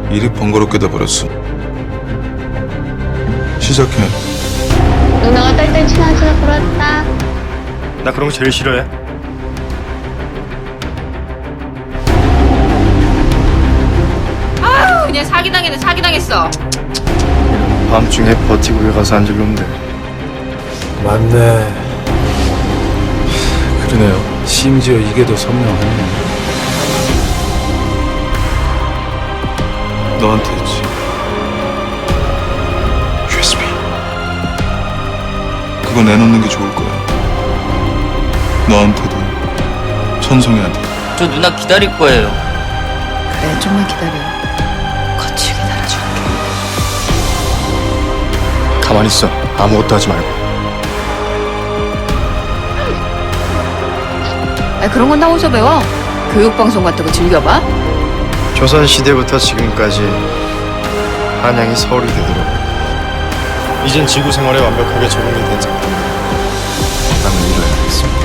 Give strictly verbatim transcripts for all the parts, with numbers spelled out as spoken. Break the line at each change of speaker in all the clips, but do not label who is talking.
일이 번거롭게 돼버렸어. 시작해.
누나가 딸딸 친하지가 부럽다.
나 그런 거 제일 싫어해.
아유 그냥 사기당했네 사기당했어.
밤중에 버티고 왜 가서 앉을 놈들.
맞네. 그러네요. 심지어 이게 더 선명하네.
너한테 했지. 유에스비. 그거 내놓는 게 좋을 거야. 너한테도 천송이한테.
저 누나 기다릴 거예요.
그래 좀만 기다려. 거칠게 달아줄게.
가만히 있어. 아무것도 하지 말고.
아 그런 건 나 어디서 배워? 교육방송 같은 거 즐겨봐?
조선시대부터 지금까지 한양이 서울이 되도록 이젠 지구 생활에 완벽하게 적응이 된 상태. 나는 이뤄야겠습니다.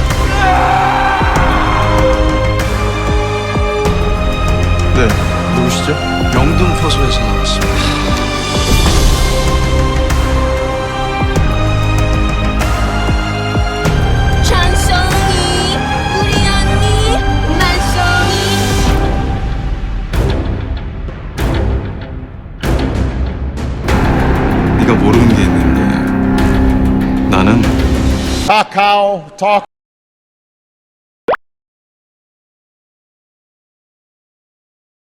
네.
누구시죠?
영등포소에서 나왔습니다.
찬송이 우리 언니 만송이.
네가 모르는 게 있는데 나는
Kakao Talk